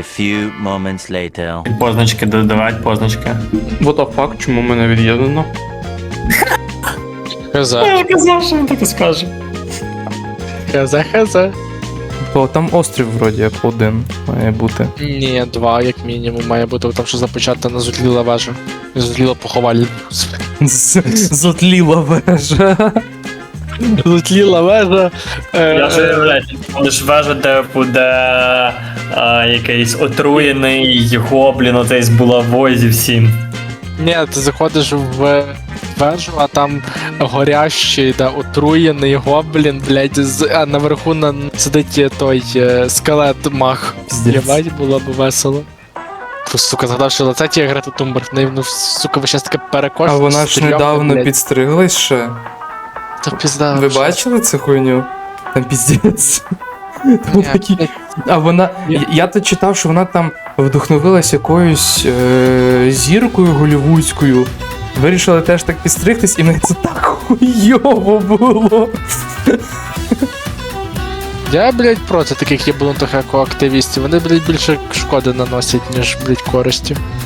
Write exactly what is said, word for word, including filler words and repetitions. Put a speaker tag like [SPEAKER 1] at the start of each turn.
[SPEAKER 1] few moments later.
[SPEAKER 2] Позначки додавати, позначки.
[SPEAKER 3] What the fuck, чому мене від'єднано?
[SPEAKER 4] Хз.
[SPEAKER 2] Я ж казав, що він так і скаже.
[SPEAKER 4] Хз, хз.
[SPEAKER 3] Бо там острів вроді як один має бути.
[SPEAKER 4] Ні, два, як мінімум, має бути, там що запечатана зутліла вежа. Зутліла поховальня.
[SPEAKER 3] Зотліла вежа.
[SPEAKER 4] Зутліла вежа.
[SPEAKER 2] Я ж уявляю, ти ж вежа, де буде а, якийсь отруєний гоблін, оцей з булавою зі всім.
[SPEAKER 4] Ні, ти заходиш в вежу, а там горящий, да, отруєний гоблін, блядь, з, а наверху на, сидить той е, скелет мах. Єбать, було б весело. Фу, сука, згадав, що лице тієї Грети Тумберг, в неї, ну, сука, ви щас таке перекошено.
[SPEAKER 3] А вона ж недавно підстриглась ще.
[SPEAKER 4] Та пізда.
[SPEAKER 3] Ви
[SPEAKER 4] вже.
[SPEAKER 3] бачили цю хуйню? Там піздець. Там
[SPEAKER 4] Ні,
[SPEAKER 3] такі-
[SPEAKER 4] блядь,
[SPEAKER 3] А вона.
[SPEAKER 4] Ні.
[SPEAKER 3] Я- Я то читав, що вона там вдохновилась якоюсь е- зіркою голівудською. Вирішила теж так підстригтись, і в неї це так хуйово було.
[SPEAKER 4] Я, блядь, проти таких єблунтих екоактивістів. Вони, блядь, більше шкоди наносять, ніж, блядь, користі.